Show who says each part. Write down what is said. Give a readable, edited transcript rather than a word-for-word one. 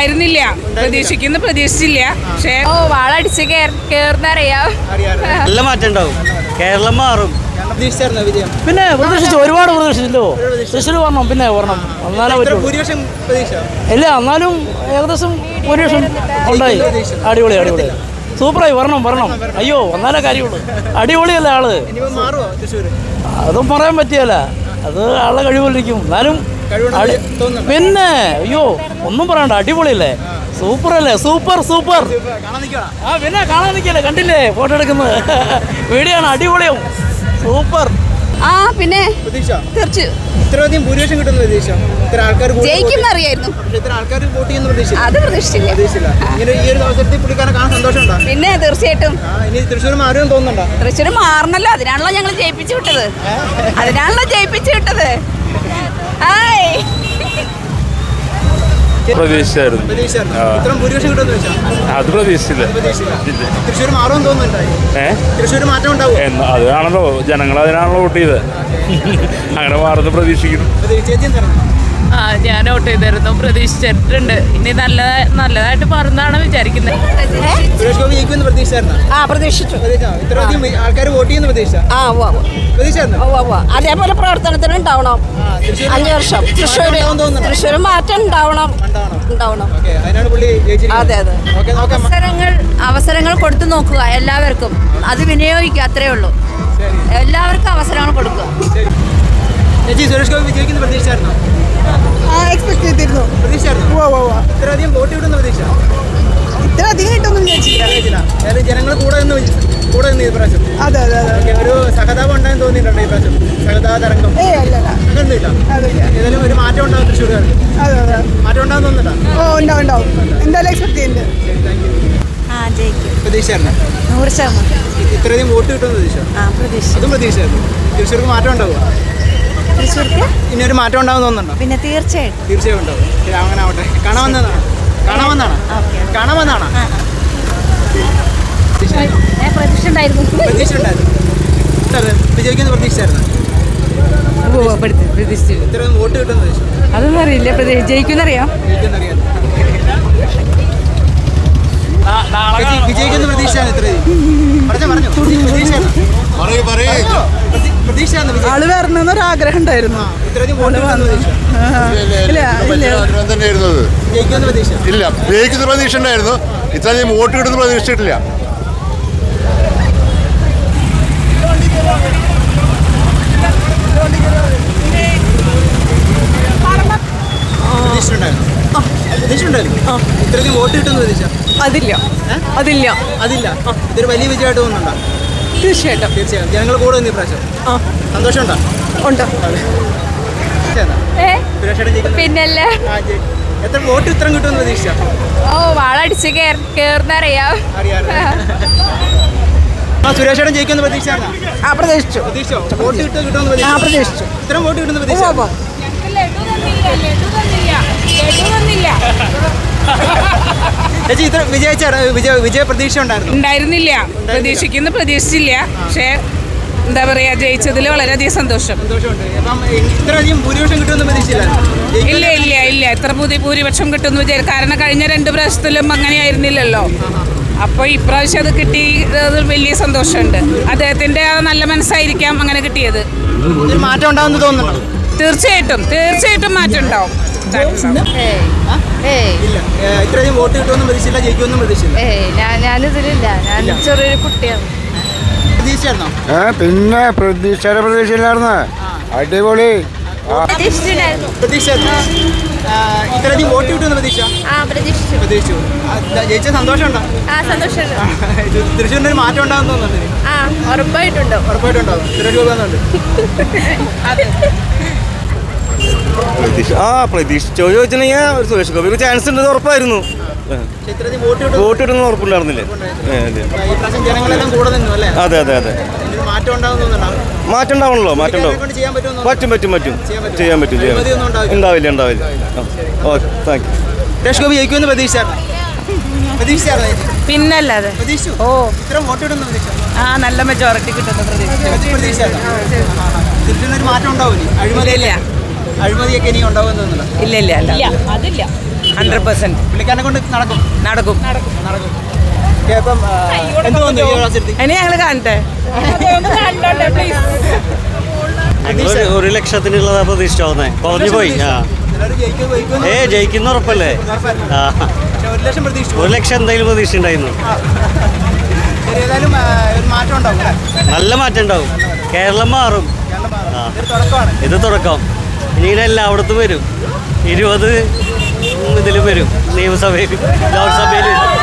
Speaker 1: ഉണ്ടായിരുന്നില്ല. പ്രതീക്ഷിച്ചില്ല. പക്ഷേ
Speaker 2: വാളടിച്ച് കേറുന്നറിയാം.
Speaker 3: നല്ല മാറ്റം ഉണ്ടാവും. കേരളം മാറും.
Speaker 4: പിന്നെ പ്രതീക്ഷിച്ചു, ഒരുപാട് പ്രതീക്ഷിച്ചല്ലോ. തൃശ്ശൂർ വരണം, പിന്നെ വരണം, എന്നാലേ പറ്റുള്ളൂ. ഇല്ല, എന്നാലും ഏകദേശം ഭൂരിപക്ഷം ഉണ്ടായി. അടിപൊളി സൂപ്പറായി. വരണം. അയ്യോ, എന്നാലേ കാര്യമുള്ളൂ. അടിപൊളിയല്ല ആള്. അതും പറയാൻ പറ്റിയല്ല, അത് ആളെ കഴിവിലിരിക്കും. എന്നാലും പിന്നെ അയ്യോ ഒന്നും പറയണ്ട, അടിപൊളിയല്ലേ, സൂപ്പറല്ലേ, സൂപ്പർ. ആ പിന്നെ കാണാൻ നിൽക്കല്ലേ, കണ്ടില്ലേ ഫോട്ടോ എടുക്കുന്നത്. വീഡിയോ ആണ്, അടിപൊളിയും സൂപ്പർ.
Speaker 2: പിന്നെ
Speaker 5: ഇത്രയധികം ഭൂരിപക്ഷം കിട്ടുന്ന
Speaker 2: ജയിക്കുന്നറിയായിരുന്നു. അത് പ്രതീക്ഷിച്ചില്ല.
Speaker 5: ഈ ഒരു അവസരത്തിൽ പുള്ളിക്കാരനെ കാണാൻ സന്തോഷമുണ്ടോ?
Speaker 2: പിന്നെ തീർച്ചയായിട്ടും.
Speaker 5: ഇനി തൃശ്ശൂർ മാറുമെന്ന് തോന്നുന്നുണ്ടോ?
Speaker 2: തൃശ്ശൂർ മാറണല്ലോ, അതിനാണല്ലോ ഞങ്ങൾ ജയിപ്പിച്ചു വിട്ടത്.
Speaker 6: പ്രതീക്ഷിച്ചായിരുന്നു. അത് പ്രതീക്ഷിച്ചില്ല.
Speaker 5: തൃശ്ശൂർ മാറുമെന്ന് തോന്നുന്നുണ്ടോ? തൃശ്ശൂർ മാറ്റം ഉണ്ടാവും.
Speaker 6: അതാണല്ലോ ജനങ്ങൾ, അതിനാണല്ലോ വോട്ട് ചെയ്തത്. അങ്ങനെ മാറുന്ന പ്രതീക്ഷിക്കുന്നു.
Speaker 1: ഞാൻ വോട്ട് ചെയ്തിരുന്നു, പ്രതീക്ഷിച്ചിട്ടുണ്ട്. ഇനി നല്ലതായിട്ട് മാറുന്നതാണ് വിചാരിക്കുന്നത്.
Speaker 5: സുരേഷ് ഗോപി ജയിക്കുമെന്ന്
Speaker 2: പ്രതീക്ഷിച്ചു.
Speaker 5: ഇത്രയധികം ആൾക്കാർ വോട്ട് ചെയ്യുന്ന
Speaker 2: അതേപോലെ പ്രവർത്തനത്തിന് ഉണ്ടാവണം. 5 വർഷം തൃശ്ശൂർ മാറ്റം ഉണ്ടാവണം. അതെ. അവസരങ്ങൾ കൊടുത്തു നോക്കുക എല്ലാവർക്കും. അത് വിനിയോഗിക്കുക, അത്രേ ഉള്ളൂ. എല്ലാവർക്കും അവസരങ്ങൾ കൊടുക്കുക.
Speaker 5: സുരേഷ് ഗോപി വിജയിക്കുന്ന പ്രതീക്ഷിച്ചായിരുന്നോ?
Speaker 7: എക്സ്പെക്ട് ചെയ്തിരുന്നു.
Speaker 5: ഇത്രയധികം വോട്ട് കിട്ടുന്ന പ്രതീക്ഷ?
Speaker 7: ഇത്രയധികം കിട്ടുമെന്ന് വിചാരിച്ചില്ല.
Speaker 5: ജനങ്ങൾ കൂടെ നിന്ന് ഈ പ്രാവശ്യം.
Speaker 7: അതെ.
Speaker 5: ഒരു സഹതാപം ഉണ്ടായെന്ന് തോന്നിയിട്ടുണ്ടോ ഈ പ്രാവശ്യം? സഹതാപ തരംഗം അങ്ങനൊന്നുമില്ല. ഏതായാലും ഒരു മാറ്റം ഉണ്ടാവും തൃശ്ശൂർകാർക്ക്. മാറ്റം ഉണ്ടാവും തോന്നുന്നുണ്ടോ?
Speaker 7: ഉണ്ടാവും. എന്തായാലും എക്സ്പെക്ട് ചെയ്യുന്നുണ്ട്.
Speaker 5: പ്രതീക്ഷയായിരുന്നു.
Speaker 2: 100%.
Speaker 5: ഇത്രയധികം വോട്ട് കിട്ടുമെന്ന് പ്രതീക്ഷ? അതും പ്രതീക്ഷയായിരുന്നു. തൃശ്ശൂർക്ക് മാറ്റം ഉണ്ടാവുക? ഇനി ഒരു മാറ്റം ഉണ്ടാവും തോന്നുന്നുണ്ടോ?
Speaker 2: പിന്നെ
Speaker 5: തീർച്ചയായും ഉണ്ടാവും. അങ്ങനെ ആവട്ടെ. കാണാമെന്നാണ്.
Speaker 2: പ്രതീക്ഷ ഉണ്ടായിരുന്നു.
Speaker 5: വിജയിക്കുന്ന പ്രതീക്ഷയായിരുന്നു. ഇത്രയും വോട്ട് കിട്ടുന്ന പ്രതീക്ഷ?
Speaker 2: അതൊന്നും അറിയില്ല. ജയിക്കുന്നറിയാം.
Speaker 5: വിജയിക്കുന്ന പ്രതീക്ഷയാണ്.
Speaker 7: ആള് വരണമെന്നൊരാഗ്രഹം ഉണ്ടായിരുന്നു.
Speaker 8: ഇല്ല, ജയിക്കുന്ന പ്രതീക്ഷ ഉണ്ടായിരുന്നു. ഇത്രയും വോട്ട് കിട്ടുന്ന പ്രതീക്ഷിച്ചിട്ടില്ല.
Speaker 5: ഇത്രയും വോട്ട് കിട്ടുന്ന പ്രതീക്ഷ?
Speaker 7: അതില്ല.
Speaker 5: ഇതൊരു വലിയ വിജയമായിട്ട് തോന്നുന്നുണ്ടോ?
Speaker 7: തീർച്ചയായിട്ടും.
Speaker 5: ജനങ്ങൾ കൂടെ നിന്ന് പ്രാവശ്യം സന്തോഷമുണ്ടോ?
Speaker 7: ഉണ്ട്.
Speaker 2: പിന്നല്ലേ
Speaker 5: എത്ര വോട്ട് ഇത്രയും കിട്ടുമെന്ന് പ്രതീക്ഷ?
Speaker 2: വാളടിച്ച് കേറുന്നറിയാം.
Speaker 5: സുരേഷേട്ടൻ ജയിക്കുന്ന പ്രതീക്ഷ?
Speaker 7: പ്രതീക്ഷിച്ചു.
Speaker 5: വോട്ട് കിട്ടുമെന്ന്
Speaker 7: പ്രതീക്ഷിച്ചു.
Speaker 5: ഇത്രയും വോട്ട് കിട്ടുന്ന പ്രതീക്ഷ? ചേച്ചി ഇത്ര വിജയ പ്രതീക്ഷ
Speaker 1: ഉണ്ടായിരുന്നില്ല. പ്രതീക്ഷിച്ചില്ല. പക്ഷേ എന്താ പറയാ, ജയിച്ചതിൽ വളരെയധികം സന്തോഷം.
Speaker 5: ഇത്രയധികം ഭൂരിപക്ഷം കിട്ടുമെന്ന് പ്രതീക്ഷയില്ല.
Speaker 1: ഇല്ല. എത്ര ഭൂരിപക്ഷം കിട്ടുമെന്ന് വിചാരിച്ചു. കാരണം കഴിഞ്ഞ 2 പ്രാവശ്യത്തിലും അങ്ങനെയായിരുന്നില്ലല്ലോ. അപ്പോൾ ഇപ്രാവശ്യം അത് കിട്ടിയത് വലിയ സന്തോഷമുണ്ട്. അദ്ദേഹത്തിന്റെ നല്ല മനസ്സായിരിക്കാം അങ്ങനെ കിട്ടിയത്.
Speaker 5: മാറ്റം ഉണ്ടാവുമെന്ന് തോന്നുന്നു.
Speaker 1: തീർച്ചയായിട്ടും മാറ്റം ഉണ്ടാവും.
Speaker 5: ഇത്രയും വോട്ട് കിട്ടുമെന്ന് പ്രതീക്ഷയില്ല, ജയിക്കുമെന്നും പ്രതീക്ഷയില്ല.
Speaker 2: ഞാനിതിലില്ല. ഞാൻ ചെറിയൊരു കുട്ടിയാണ്.
Speaker 5: പ്രതീക്ഷയായിരുന്നോ?
Speaker 8: പിന്നെ പ്രതീക്ഷയില്ലായിരുന്നു. അടിപൊളി.
Speaker 5: പ്രതീക്ഷയായിരുന്നു. ഇത്രയധികം വോട്ട് കിട്ടുമെന്ന് പ്രതീക്ഷിച്ചു. ജയിച്ച സന്തോഷമുണ്ടോ? തൃശ്ശൂരിന് ഒരു മാറ്റം ഉണ്ടാകും തോന്നുന്നുണ്ട്. ഉറപ്പായിട്ടുണ്ടാവും. സുരേഷ് ഗോപി വന്നുണ്ട്.
Speaker 3: പ്രതീക്ഷിച്ചോ ചോദിച്ചിട്ടുണ്ടെങ്കിൽ സുരേഷ് ഗോപിക്ക് ചാൻസ് ഉണ്ടെന്ന് ഉറപ്പായിരുന്നു. വോട്ട് കിട്ടുന്ന ഉറപ്പുണ്ടായിരുന്നില്ലേ? അതെ. മാറ്റം ഉണ്ടാവണല്ലോ. പറ്റും. ചെയ്യാൻ പറ്റും. ഉണ്ടാവില്ല. Okay, thank you.
Speaker 5: Suresh Gopi ജയിക്കുമെന്ന് പ്രതീക്ഷിച്ചായിരുന്നു.
Speaker 1: പിന്നല്ലാതെ. നല്ല മെജോറിറ്റി കിട്ടുന്ന
Speaker 5: പ്രതീക്ഷ. മാറ്റം ഉണ്ടാവില്ലേ? അഴിമതിയൊക്കെ ഇനി ഉണ്ടാവുമെന്ന് തോന്നുന്നില്ല.
Speaker 1: ഇല്ല. അതില്ല.
Speaker 3: 100%
Speaker 5: പുള്ളിക്കാരനെ കൊണ്ട് നടക്കും.
Speaker 3: നടക്കും.
Speaker 5: ഓക്കേ, അപ്പം എന്ത് തോന്നുന്നു ഈ അവസരത്തിൽ?
Speaker 3: ഇനി ഞങ്ങൾ കാണട്ടെ.
Speaker 9: ഒരു ലക്ഷത്തിനുള്ളതാ പ്രതീക്ഷിച്ചോന്നേ കുറഞ്ഞു പോയി.
Speaker 5: എല്ലാവരും ജയിക്കുമെന്ന്
Speaker 9: ജയിക്കുന്ന ഉറപ്പല്ലേ?
Speaker 5: ഉറപ്പല്ലേ?
Speaker 9: ആ,
Speaker 5: പക്ഷേ 1 ലക്ഷം പ്രതീക്ഷിച്ചു.
Speaker 9: 1 ലക്ഷം എന്തായാലും പ്രതീക്ഷ ഉണ്ടായിരുന്നു.
Speaker 5: ശരി, ഏതായാലും ഒരു മാറ്റം ഉണ്ടാവും അല്ലേ?
Speaker 9: നല്ല മാറ്റം ഉണ്ടാവും. കേരളം മാറും.
Speaker 5: കേരളം മാറും.
Speaker 9: ആ.
Speaker 5: ഇതൊരു തുടക്കമാണ്.
Speaker 9: ഇത് തുടക്കം. ഇനി എല്ലായിടത്തും വരും. 20 ഇതിലും വരും. നിയമസഭയിൽ, ലോക്സഭയിൽ.